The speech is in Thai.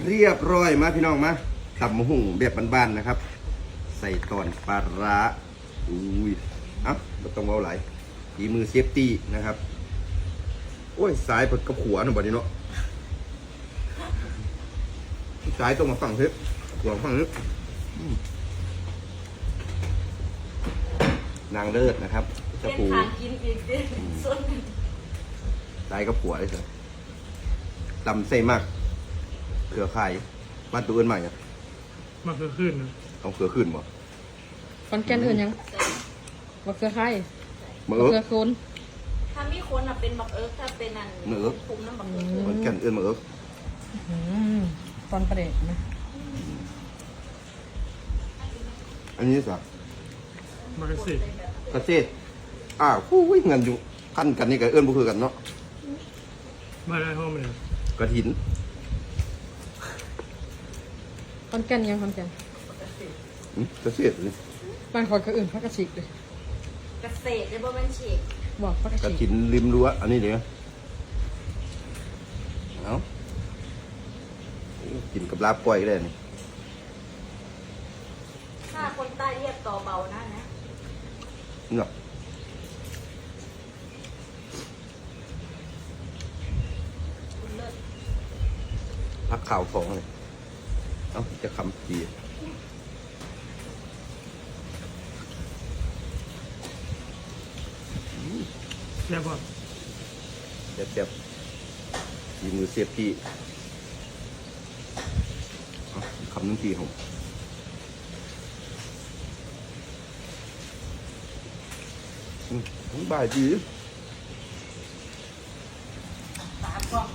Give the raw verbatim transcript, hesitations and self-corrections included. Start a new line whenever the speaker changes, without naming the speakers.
เรียบร้อยมาพี่น้องมาตับมะหุ่งแบบบ้านๆนะครับใส่ตอนปลาร้าอุ้ยอ่ะไม่ต้องเอาไหลฝีมือเซฟตี้นะครับโอ้ยสายปดกระขัวหน่อยบ่นี้เนาะสายตรงมาฝั่งเฮ้ยหัวฝั่งนี้นางเลิศนะครับจะปูกินอีกดิสายกระขัวเลยสิตำเส้มากเขือไข่บ้านตัวอื่นใหม่เนี่ย
มาเขือขึ้นนะ
ต้องเขือขึ้นบ่
คอนแกนอื่นยังบักเขือไข่
บัก
เขือโคน
ถ้ามีคนอ่ะเป็นบักเอิร์กถ้าเป็นอัน
เอิร์ก
คุมน้ำบักเอิร์ก
คอนแกนอื่นบักเอิร์ก
ตอนประเด็นนะ
อันนี้สัก
มากระสิ
กระเซ็ดอ้าวผู้วิ่งเงินอยู่ขั้นกันนี่กับเอื้อนบุคือกันเนาะ
มาได้ห้องเลย
กระถิน
คอนแกนยังคอนแกน
กระเซ็ดเลย
บ้านคอยก็อื่นพักกระชิกเลย
เกษตรได้บ่แม่นฉีก
บอกพักกระ
กระ
ชิก
ถินริมรั้วอันนี้เดี๋ยวเอากินกับลาบก้อยก็ได้นี่
ถ้าคนใต้เรียกต่อเบานะนะ
เนาะพักข่าวฟองเลยเอ้าจะคำดี
แซ่บป่ะ
เจ็บเจ็บยีมือเสียบที่คำนึงทีของทั้งบ่ายดี